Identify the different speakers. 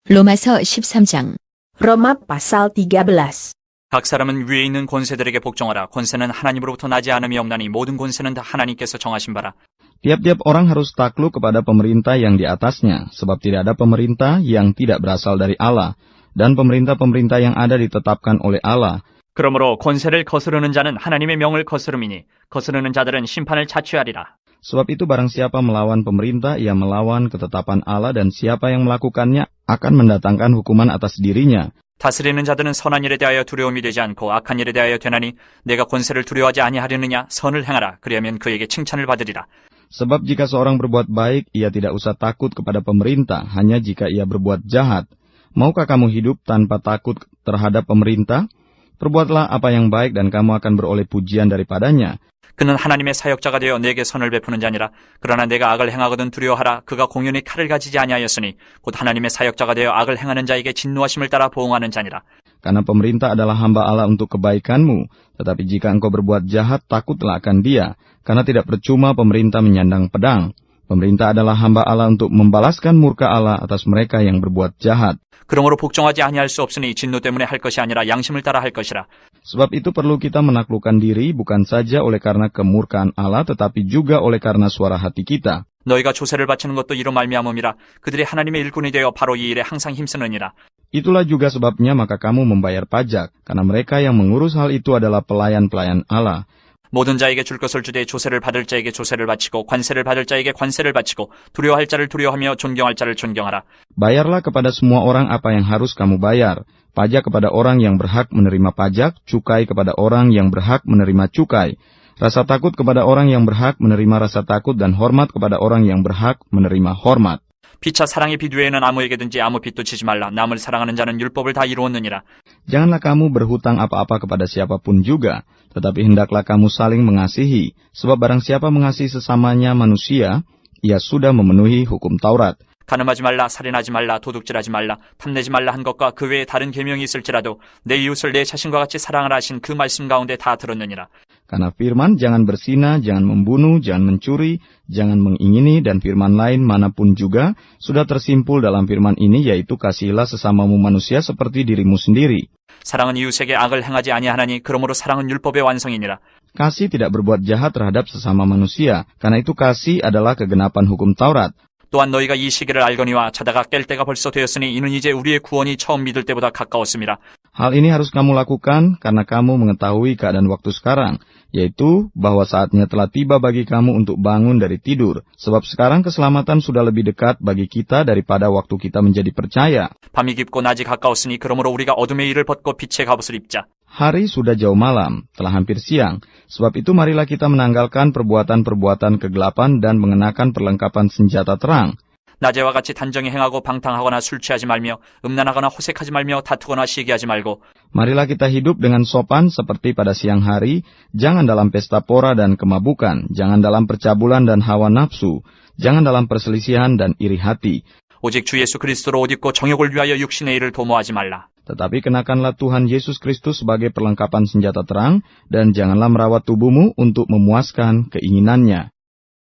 Speaker 1: 로마서 13장.
Speaker 2: Roma pasal 13.
Speaker 3: 각 사람은 위에 있는 권세들에게 복종하라. 권세는 하나님으로부터 나지 않음이 없나니 모든 권세는 다 하나님께서 정하신 바라.
Speaker 4: Tiap-tiap orang harus takluk kepada pemerintah yang di atasnya, sebab tidak ada pemerintah yang tidak berasal dari Allah, dan pemerintah-pemerintah yang ada ditetapkan oleh Allah.
Speaker 3: 그러므로 권세를 거스르는 자는 하나님의 명을 거스름이니 거스르는 자들은 심판을 자취하리라.
Speaker 4: Sebab itu barang siapa melawan pemerintah, ia melawan ketetapan Allah, dan siapa yang melakukannya akan mendatangkan hukuman atas dirinya.
Speaker 3: 다스리는 자들은 선한 일에 대하여 두려움이 되지 않고 악한 일에 대하여 되나니 내가 권세를 두려워하지 아니하려느냐. 선을 행하라. 그리하면 그에게 칭찬을 받으리라.
Speaker 4: Sebab jika seorang berbuat baik, ia tidak usah takut kepada pemerintah, hanya jika ia berbuat jahat. Maukah kamu hidup tanpa takut terhadap pemerintah? Perbuatlah apa yang baik dan kamu akan beroleh pujian daripadanya.
Speaker 3: 그는 하나님의 사역자가 되어 내게 선을 베푸는 자니라. 그러나 내가 악을 행하거든 두려워하라. 그가 공연히 칼을 가지지 아니하였으니 곧 하나님의 사역자가 되어 악을 행하는 자에게 진노하심을 따라 보응하는 자니라.
Speaker 4: Karena pemerintah adalah hamba Allah untuk kebaikanmu. Tetapi jika engkau berbuat jahat, takutlah akan dia. Karena tidak percuma pemerintah menyandang pedang. Pemerintah adalah hamba Allah untuk membalaskan murka Allah atas mereka yang berbuat jahat.
Speaker 3: 그러므로 복종하지 아니할 수 없으니 진노 때문에 할 것이 아니라 양심을 따라 할 것이라.
Speaker 4: Sebab itu perlu kita menaklukkan diri bukan saja oleh karena kemurkaan Allah, tetapi juga oleh karena suara hati kita.
Speaker 3: 너희가 조세를 바치는 것도 이로 말미암음이라. 그들이 하나님의 일꾼이 되어 바로 이 일에 항상 힘쓰느니라.
Speaker 4: Itulah juga sebabnya maka kamu membayar pajak, karena mereka yang mengurus hal itu adalah pelayan-pelayan Allah.
Speaker 3: 모든 자에게 줄 것을 주되 조세를 받을 자에게 조세를 바치고 관세를 받을 자에게 관세를 바치고 두려워할 자를 두려워하며 존경할 자를 존경하라.
Speaker 4: Bayarlah kepada semua orang apa yang harus kamu bayar. Pajak kepada orang yang berhak menerima pajak, cukai kepada orang yang berhak menerima cukai. Rasa takut kepada orang yang berhak menerima rasa takut, dan hormat kepada orang yang berhak menerima hormat.
Speaker 3: 피차 사랑의 빚 외에는 아무에게든지 아무 빚도 지지 말라. 남을 사랑하는 자는 율법을 다 이루었느니라.
Speaker 4: Janganlah kamu berhutang apa-apa kepada siapapun juga, tetapi hendaklah kamu saling mengasihi, sebab barang siapa mengasihi sesamanya manusia, ia sudah memenuhi hukum Taurat.
Speaker 3: 간음하지 말라, 살인하지 말라, 도둑질하지 말라, 탐내지 말라 한 것과 그 외에 다른 계명이 있을지라도 내 이웃을 내 자신과 같이 사랑하라 하신 그 말씀 가운데 다 들었느니라.
Speaker 4: Karena firman, jangan berzina, jangan membunuh, jangan mencuri, jangan mengingini, dan firman lain manapun juga, sudah tersimpul dalam firman ini, yaitu kasihilah sesamamu manusia seperti dirimu sendiri.
Speaker 3: 사랑은 이웃에게 악을 행하지 아니하나니 그러므로 사랑은 율법의 완성이니라.
Speaker 4: Kasih tidak berbuat jahat terhadap sesama manusia, karena itu kasih adalah kegenapan hukum Taurat.
Speaker 3: 또한 너희가 이 시기를 알거니와 자다가 깰 때가 벌써 되었으니 이는 이제 우리의 구원이 처음 믿을 때보다 가까웠음이라.
Speaker 4: Hal ini harus kamu lakukan karena kamu mengetahui keadaan waktu sekarang, yaitu bahwa saatnya telah tiba bagi kamu untuk bangun dari tidur, sebab sekarang keselamatan sudah lebih dekat bagi kita daripada waktu kita menjadi percaya.
Speaker 3: 밤이 깊고 낮이 가까웠으니 그러므로 우리가 어둠의 일을 벗고 빛의 갑옷을 입자.
Speaker 4: Hari sudah jauh malam, telah hampir siang, sebab itu marilah kita menanggalkan perbuatan-perbuatan kegelapan dan mengenakan perlengkapan senjata terang.
Speaker 3: 낮에와 같이 단정히 행하고 방탕하거나 술 취하지 말며 음란하거나 호색하지 말며 다투거나 시기하지 말고.
Speaker 4: Marilah kita hidup dengan sopan seperti pada siang hari, jangan dalam pesta pora dan kemabukan, jangan dalam percabulan dan hawa nafsu, jangan dalam perselisihan dan iri hati.
Speaker 3: 오직 주 예수 그리스도로 옷 입고 정욕을 위하여 육신의 일을 도모하지 말라.
Speaker 4: Tetapi kenakanlah Tuhan Yesus Kristus sebagai perlengkapan senjata terang, dan janganlah merawat tubuhmu untuk memuaskan keinginannya.